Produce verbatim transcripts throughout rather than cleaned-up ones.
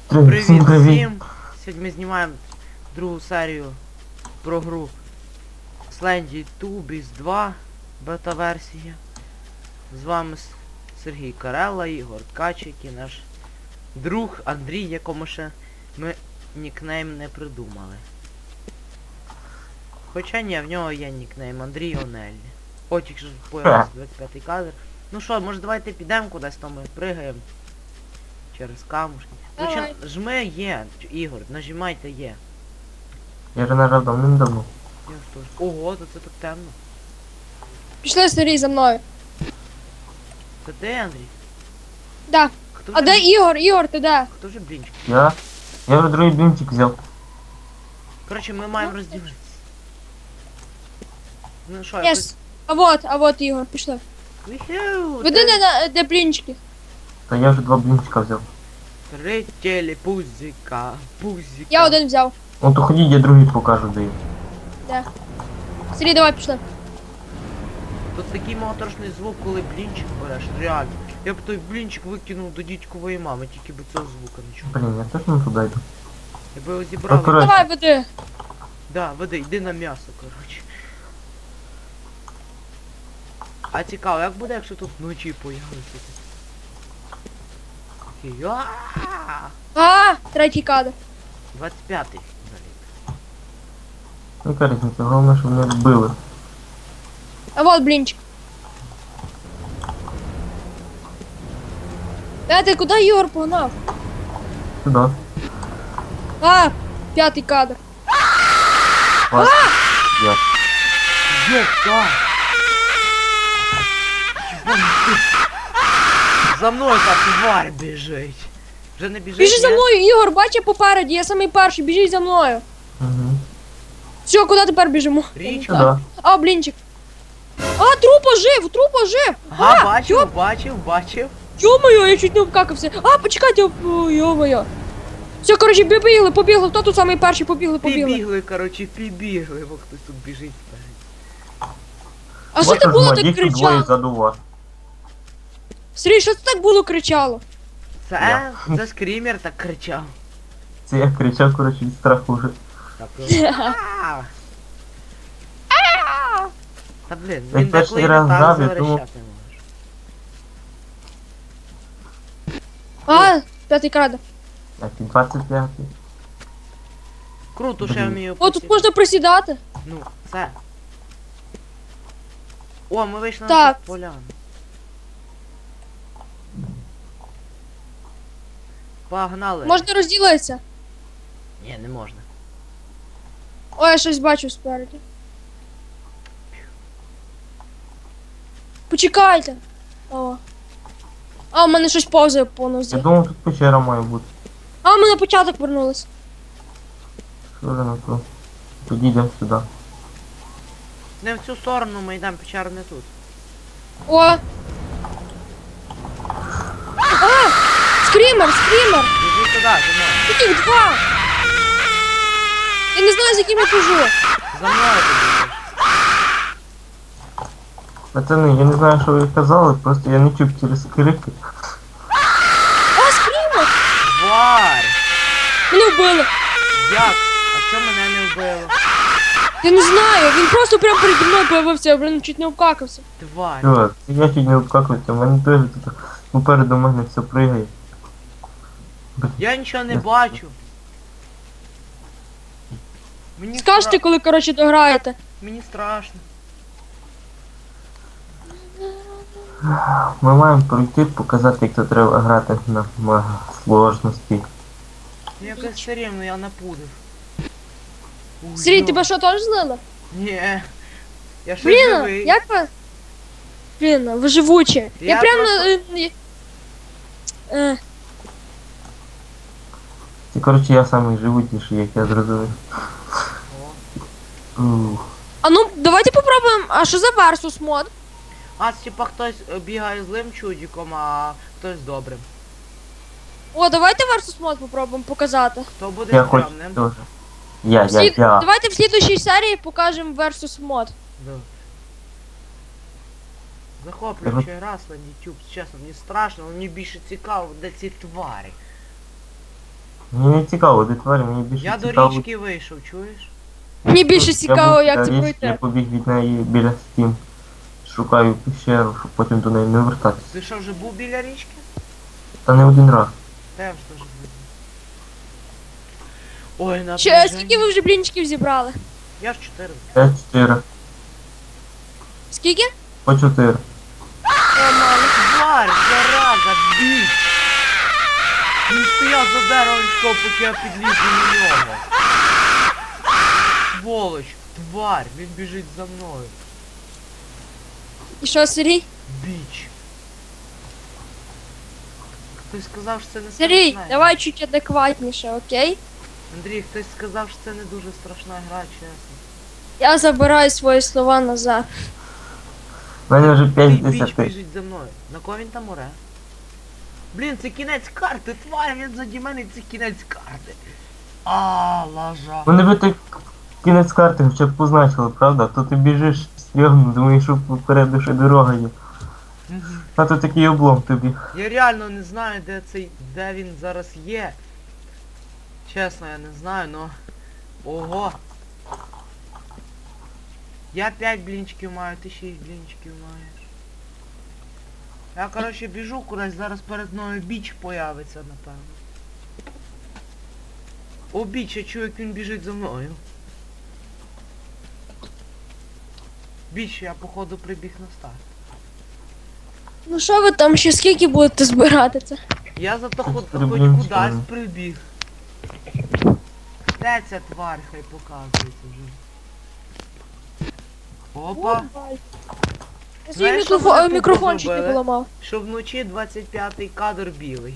Привіт Всім привіт. всім! Сьогодні ми знімаємо другу серію про гру Slendy Tubis два бета-версія. З вами С- Сергій Карелла, Ігор Качик і наш друг Андрій, якому ще ми нікнейм не придумали. Хоча ні, в нього є нікнейм Андрій Онель. О, тільки що появився двадцять п'ятий кадр. Ну що, може давайте підемо кудись, то ми пригаємо через камушки. Ну Давай. чи жми є, Ігор, нажимайте є. Я вже нажав давним-давно. Я ж теж. Ого, то це так темно. Пішли, Сергій, за мною. Це ти, Андрій? Да. Хто А вже, де Ігор? Ігор, ти де? хто вже блінчик? Я? Я вже другий блінчик взяв. Коротше, ми маємо Ну, розділитися. Ну що, Єс. А вот, а вот Ігор, пішли. Віхю! Веди де, на- де блінчики. Та я вже два блінчика взяв. Прилетіли пузика, пузика. Я один взяв. Ну то ходіть, я другий покажу, де я. Де? Сергій, давай пішли. Тут такий моторошний звук, коли блінчик береш, реально. Я б той блінчик викинув до дідькової мами, тільки б цього звука не чув. Блін, я точно туди йду. Я би його зібрав. Коротше. Давай, веди. Да, веди, йди на м'ясо, коротше. А цікаво, як буде, якщо тут вночі появиться? Такий, ааа! А, третій кадр. двадцять п'ятий. взагалі. Ну яка різниця, головне, щоб не вбили. А вот блінчик. Е, ти куди Ігор погнав? Сюди. А, п'ятий кадр. Вас. Я. Ёп, да! Вон ти. За мною та тварь біжить. Вже не біжить? Біжи за ні? мною, Ігор, бачиш попереді, я самий перший, біжи за мною. Угу. Все, куди тепер біжимо? Річка? Сюди. А, блінчик. А, трупа жив, трупа жив. Ага, А, бачив, йоп. бачив, бачив. Ё-моё, я чуть не вкакався. А, почекайте, о, ё-моё. Все, короче, побігли, побігли. Хто тут самий перший? Побігли, побігли. Підбігли, коротше, підбігли, бо хтось тут біжить. А що це Ваша було ж так їх тут двоє кричало? ззаду вас. Сергій, що це так було кричало? Це, це скрімер так кричав. Це я кричав, коротше, від страху вже. Так, «А!» Та блін, Я він перший деколи раз так грав, я заверещати думав- можеш. А, п'ятий кадр. Так, і двадцять п'ятий. Круто, що я вмію О, тут посідати. можна присідати. Ну, це. О, ми вийшли Так. на цю поляну. Погнали. Можна розділитися. Ні, не можна. О, я щось бачу спереді. Почекайте. О. А, у мене щось повзає по нозі. Я думав, тут печера має бути. А, ми на початок вернулись. Що вже на то? Тоді йдемо сюди. Не в цю сторону ми йдемо, печера не тут. О! А! Скрімер, скрімер! Іди туди, за мною. Тут їх два! Я не знаю, з яким я кажу. За мною ти біжиш. Пацани, я не знаю, що ви казали, просто я не чув через крики. А, скрімер! Тварь! Мене вбили. Як? А чому мене не вбило? Я не знаю, він просто прямо переді мною появився, я, блин, чуть не вкакався. Тварь. Чувак, я чуть не обкакуюся, у мене теж тут попереду мене все пригає. Я нічого не бачу. Мені, Скажете, стра... коли, коротше, дограєте. Мені страшно. Ми маємо пройти, показати, як це треба грати на мега сложності. Ну якось все рівно, я напудив. Ой, Сергій, йо. тебе що, теж злило? Ні. Я ще Блін, живий. як ви? Блін, ви живучі. Я, Я прямо... просто- е, е, е, Це, коротше, я самий живутіший, як я зрозумів. О. Ух. А ну, давайте попробуємо. А що за Versus мод? А, типа хтось е, бігає злим чудиком, а хтось добрим. О, давайте Versus мод попробуємо показати. Хто буде Я хочу стрьомним? теж. Я, я, Слід... я. Давайте в слідущій серії покажемо Versus мод. Да. Захоплююча гра, Slendy Tubes, чесно, мені страшно, але мені більше цікаво, де ці тварі. Мені не цікаво, де тварі, мені більше Я до цікаво. річки вийшов, чуєш? Мені більше Я цікаво, був як на це річці, Я пройти. побіг від неї біля стін. Шукаю пещеру, щоб потім до неї не вертатися. Ти що, вже був біля річки? Та не один раз. Та я вже теж був. Ой, на Ще, скільки ви вже блінчиків зібрали? Я ж чотири. П'ять чотири. Скільки? По чотири. О, мало. Тварь, зараза, біч! Він стояв за деревом, чекав, поки я підліз на нього. Сволоч, тварь, він біжить за мною. І що, Сергій? Біч. Хтось сказав, що це не Сергій, страшна. давай чуть адекватніше, окей? Андрій, хтось сказав, що це не дуже страшна гра, чесно. Я забираю свої слова назад. У мене вже п'ять з Твій біч десяти. біжить за мною. На кого він там уре? Блін, це кінець карти, тварь, він заді мене, це кінець карти. А, лажа. Вони би так кінець карти хоча б позначили, правда? То ти біжиш стрьомно, думаєш, що попереду ще дорога є. Мгм. А то такий облом тобі. Я реально не знаю, де цей, де він зараз є. Чесно, я не знаю, но... Ого! Я п'ять блінчиків маю, ти шість блінчиків маєш. Я, коротше, біжу кудись, зараз перед мною біч появиться, напевно. О, біч, я чую, як він біжить за мною. Біч, я походу прибіг на старт. Ну що ви там ще скільки будете збирати це? Я зато хоч, Три хоч блінчики. кудись прибіг. Де ця тварь, хай показується вже. Опа. Я свій Знаєш, що мікрофон, вони е, тут мікрофончик не зробили? поламав. Що вночі двадцять п'ятий кадр білий.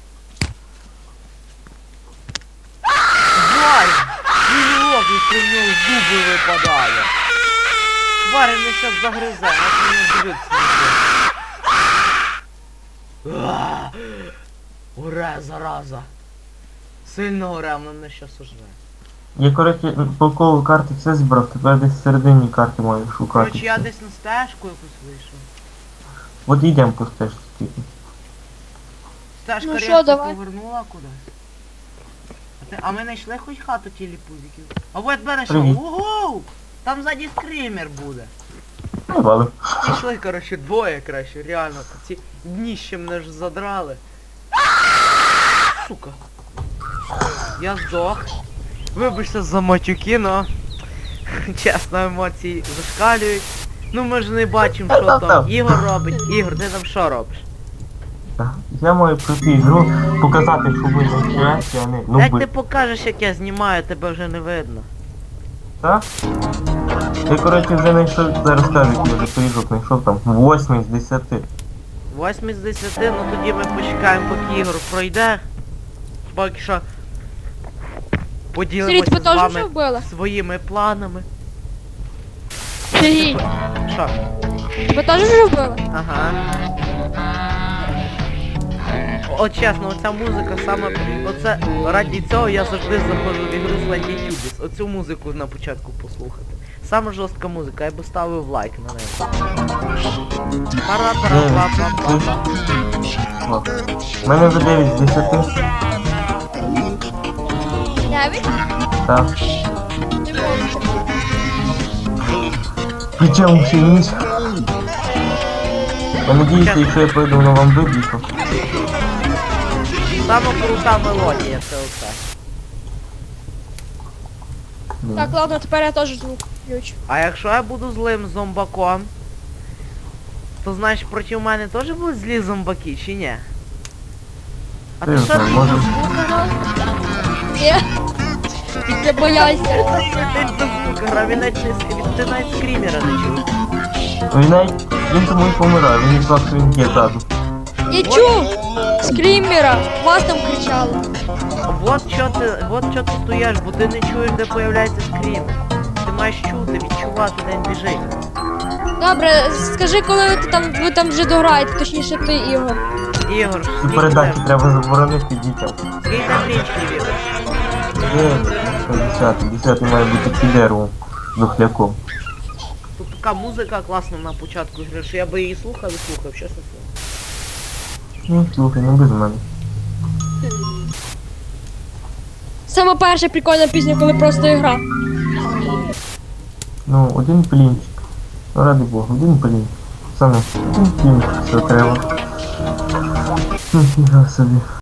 Тварь! Він логік, при нього зуби випадає. Тварь мене щас загризе, я на нього дивитися не буду. Ааа! Уре, зараза. Сильно уре, вона мене щас ужре. Я, коротше, по колу карти все зібрав, тепер десь в середині карти маю шукати. Короче, я десь на стежку якусь вийшов. От йдемо по стежці тільки. Стежка Ну що, різко давай. повернула кудись. А, ти, а ми знайшли хоч хату тіліпузиків? А от береш, Привіт. ого! Там ззаді скример буде. Ну, валим. Пішли, коротше, двоє краще, реально. Ці дніще мене ж задрали. Сука. Я здох. Вибачте за матюки, но... Чесно, емоції зашкалюють. Ну ми ж не бачимо, що там Ігор робить. Ігор, ти там що робиш? Я маю пройти ігру, показати, що ви навчаєте, а не Як нуби. ти покажеш, як я знімаю, тебе вже не видно. Так? Я, коротше, вже знайшов, зараз кажу, я вже поріжок знайшов там восьмий з десяти. восьмий з десяти, ну тоді ми почекаємо, поки Ігор пройде. Поки що Сергій, поділимося тебе з теж вже вами вбили? своїми планами. Сергій, Що? тебе теж вже вбили? Ага. От чесно, оця музика саме... Оце... Раді цього я завжди заходжу в ігру з Леді Тюбіс. Оцю музику на початку послухати. Саме жорстка музика, я би ставив лайк на неї. Пара-пара-па-па-па-па. О. У мене вже дев'ять з десяти. Дев'ять? Так. Не можу. Причому ще ніж. Я надіюся, якщо я пройду, воно вам вибіжу. Саме крута мелодія, це оце. Так, ладно, тепер я теж звук включу. А якщо я буду злим зомбаком, то значить проти мене теж будуть злі зомбаки, чи ні? А ти Ти що знаю, ти може. до звука грав? Ні. Не бояйся. Ти до звука грав, він навіть не ск- ти навіть скрімера не чув. Він навіть, він тому і помирає, він не знав, що він є ззаду. Я чув! Скрімера! Вас там кричали. Вот що ти, вот що ти стоїш, бо ти не чуєш, де появляється скрімер. Ти маєш чути, відчувати, де він біжить. Добре, скажи, коли ви там, ви там вже дограєте, точніше ти, Ігор. Ігор, Ці скільки передачі там, треба заборонити дітям. скільки там річки, Ігор? Є, десятий, десятий має бути підервом, дохляком. Тут така музика класна на початку гри, що я би її слухав і слухав, чесно слово. Ну, слухай, не без мене. Сама перша прикольна пісня, коли просто ігра. Ну, один блінчик. Ну, ради Бога, один блінчик. Саме, один блінчик все треба. Ніфіга собі.